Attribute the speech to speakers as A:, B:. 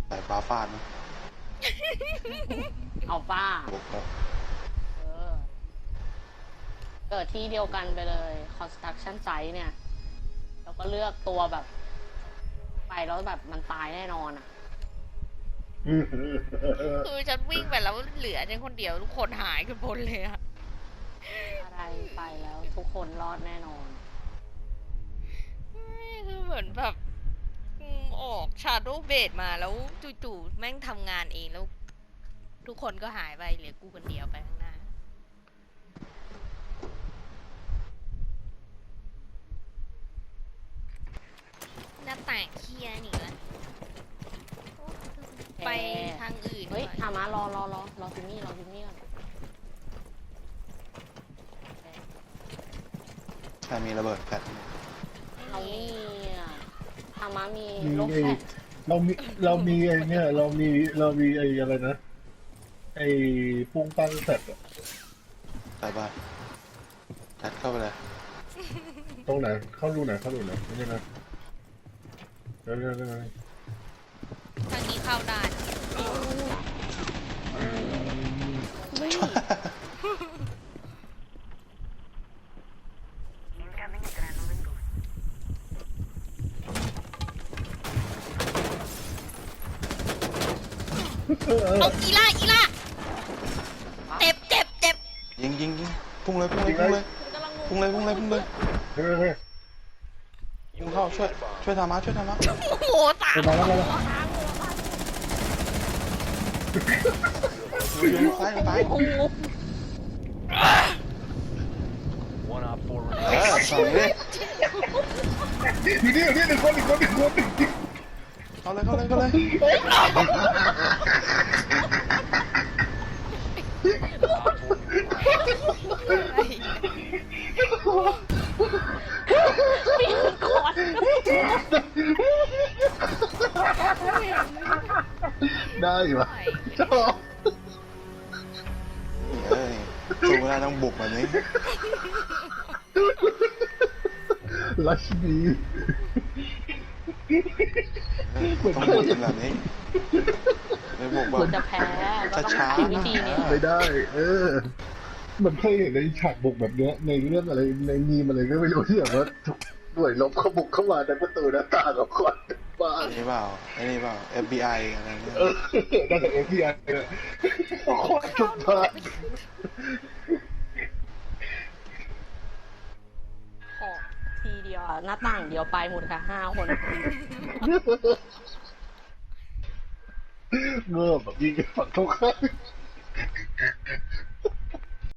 A: สายฟ้าฟาดนะ
B: เอาป้า
A: บวกครับ
B: เออเกิดที่เดียวกันไปเลย construction site เนี่ย แล้วก็เลือกตัวแบบ ไปแล้วแบบมันตายแน่นอนอ่ะ
C: คือฉันวิ่งไปแล้วเหลือฉันคนเดียวทุกคนหายกันหมดเลยอะ
B: อะไรไปแล้วทุกคนรอดแน่นอน
C: คือเหมือนแบบออกชาโดว์เบดมาแล้วจู่ๆแม่งทำงานเองแล้ว ทุกคนก็หายไปเหลือกูคนเดียวไปข้างหน้าหน้าต่างเคลียร์นี่ละไปทางอื่น
B: เฮ้ย
C: ก่อน
B: ถามารอซิมมี่ก่อน
A: ใช่มีระเบิดแฟลช
B: เราไม่มีอ่ะถามามี
D: มี
B: โลก
D: ไอ้
B: แฟลช
D: เรามีไอ้เนี่ยเรามีไอ้อะไรนะไอ้ปุ้งปั้งแฟดอะ
A: ไปบ้านแฟลชเข้าไปเลย
D: ตรงไหนเข้ารูไหนนี่นะเร็ว
C: ทางนี้เข้าได้ เอาอีล่าเจ็บ
A: ยิงพุ่งเลย
B: กำลัง
D: เฮ้ย
A: พุ่งเข้าช่วยทามา
C: โอ้โหตาม
D: มาแล้ว
A: อยู่ซ้าย
B: โอ้โห
A: สั่งเลย
D: อยู่นี่หนึ่งคน
A: เข้าเลย
B: ปีนคอน
D: ได้อยู่วะชอบ
A: เอ้ยสู้ไม่ได้ต้องบุกแบบนี้
D: รัชดี
A: ต้องบุกกันแบบนี้ไม่บุกแบบ
B: จะแพ้ก็ต้อง
A: ช้า
B: ใช้
A: ๆ
B: วิธีนี้
D: ไม่ได้ มันเคยเห็นในฉากบุกแบบเนี้ยในเรื่องอะไรในมีมอะไรก็ไม่รู้ที่แบบว่าหน่วยรบเขาบุกเข้ามาในประตูหน้าต่างกับคนบ้าน
A: ไอ้นี่เปล่า FBI อะไรเนี่ย
D: ได้แต่ FBI เลยโคตรจุดพาน
B: ขอทีเดียวอะหน้าต่างเดียวไปหมดค่ะ5 คน
D: เงือบแบบยิงฝั่งตรงข้าม